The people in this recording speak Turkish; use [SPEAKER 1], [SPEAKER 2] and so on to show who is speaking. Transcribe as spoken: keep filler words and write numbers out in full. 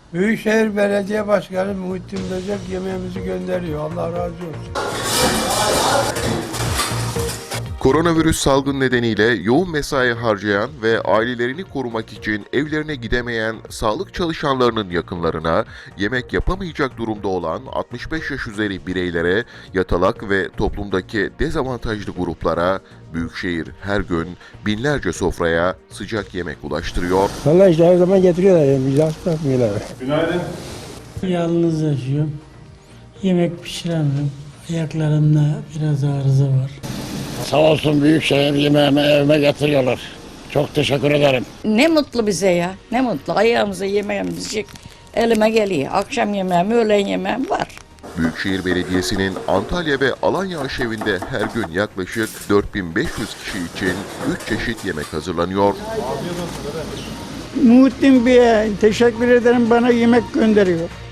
[SPEAKER 1] Büyükşehir Belediye Başkanı Muhittin Böcek yemeğimizi gönderiyor. Allah razı olsun.
[SPEAKER 2] Koronavirüs salgın nedeniyle yoğun mesai harcayan ve ailelerini korumak için evlerine gidemeyen sağlık çalışanlarının yakınlarına, yemek yapamayacak durumda olan altmış beş yaş üzeri bireylere, yatalak ve toplumdaki dezavantajlı gruplara Büyükşehir her gün binlerce sofraya sıcak yemek ulaştırıyor.
[SPEAKER 3] Vallahi işte her zaman getiriyorlar yani bizi hasta yapmıyorlar.
[SPEAKER 4] Günaydın.
[SPEAKER 5] Yalnız yaşıyorum. Yemek pişiremiyorum. Ayaklarımda biraz arıza var.
[SPEAKER 6] Sağ olsun Büyükşehir yemeğimi evime getiriyorlar. Çok teşekkür ederim.
[SPEAKER 7] Ne mutlu bize ya. Ne mutlu. Ayağımıza yemeğimiz elime geliyor. Akşam yemeğim, öğlen yemeğim var.
[SPEAKER 2] Büyükşehir Belediyesi'nin Antalya ve Alanya aşevinde her gün yaklaşık dört bin beş yüz kişi için üç çeşit yemek hazırlanıyor.
[SPEAKER 3] Muhittin Bey'e teşekkür ederim, bana yemek gönderiyor.